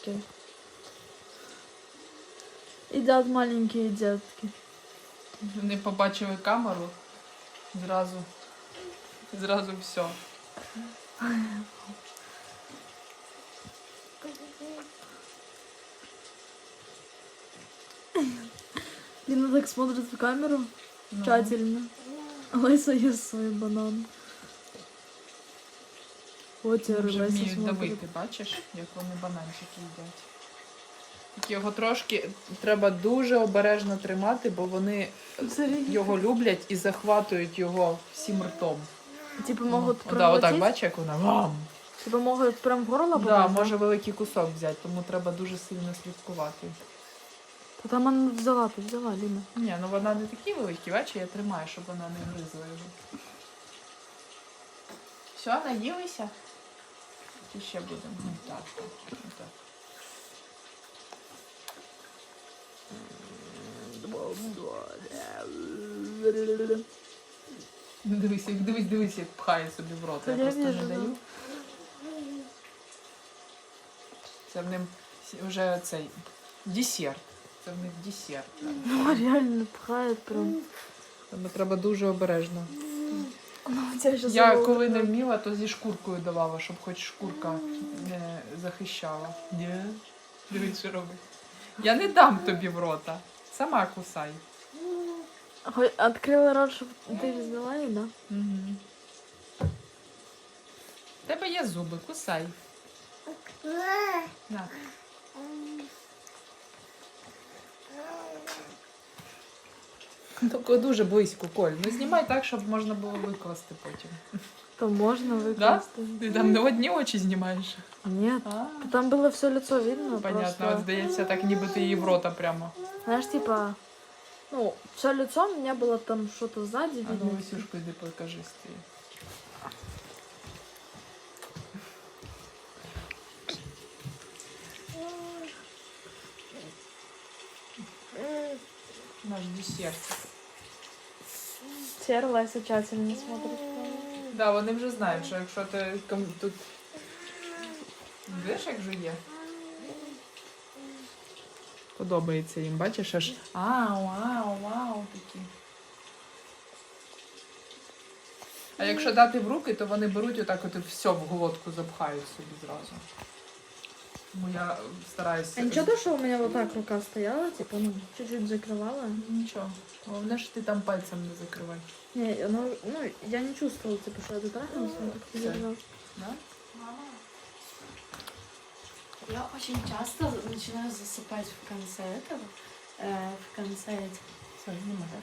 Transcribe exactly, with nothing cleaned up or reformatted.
детки. Едят маленькие детки. Вони побачили камеру, зразу, зразу все. Лина так смотрит в камеру Ну. тщательно. Лайса ест свой банан. Вот Вони теперь вже Лайса вміють смотрит. давити, бачиш, як вони бананчики їдять. Тільки його трошки треба дуже обережно тримати, бо вони Смотри. його люблять і захватують його всім ртом. Типа могут О, да, отак, проглотить? бачиш, як вона вам. Типа могут прям в горло Да, попасть? може великий кусок взяти, тому треба дуже сильно слідкувати. Та там она взяла, ты взяла, Лина. Ні, ну вона не такі великі, бачиш, я тримаю, щоб вона не гризла його. Все, наїлися? Чи ще будемо? Ну, так, так, так. Дивись, як- дивись, дивись, як пхає собі в рот. Та Я я просто не вижу, даю. Це в ним вже цей десерт. Це в них десерт. Ну, реально пхает прям. Тому треба дуже обережно. Ну, у тебя сейчас Я коли не вміла, то зі шкуркою давала, щоб хоч шкурка не захищала. Ні. Дивись, що робить. Я не дам тобі в рота. Сама кусай. Открыла рот, чтобы ты взяла ее, да? Угу. В тебе є зуби, кусай. На. Тільки дуже близько, Коль. Ну знімай так, щоб можна було викласти потім. То можно Да? выкласть. Ти там не одні очі знімаєш? Нет. А, Там было все лицо видно. понятно, Просто, от здається, так ніби ти її в рота прямо. знаешь, типа, ну, все лицо у меня было там что-то сзади А ну, видно. Васюшку, йди покажи стій. Наш десерт. Терлась тщательно смотрит. Да, вони вже знають, що якщо ти ком- тут... Видиш, як жує? Подобається їм, бачиш, аж ау, ау, ау, такі. А якщо дати в руки, то вони беруть отак от і все в глотку запхають собі зразу. Тому я стараюся... А ничего, то, что у меня вот так рука стояла, типа, ну, чуть-чуть закрывала. Нічого. Головне, що ти там пальцем не закривай. Не, ну, ну, я не чувствовала, типа, что это трахнулся, но как-то Всё. держала. Да? Мама, я очень часто начинаю засыпать в конце этого, э, в конце этих Все, знімай.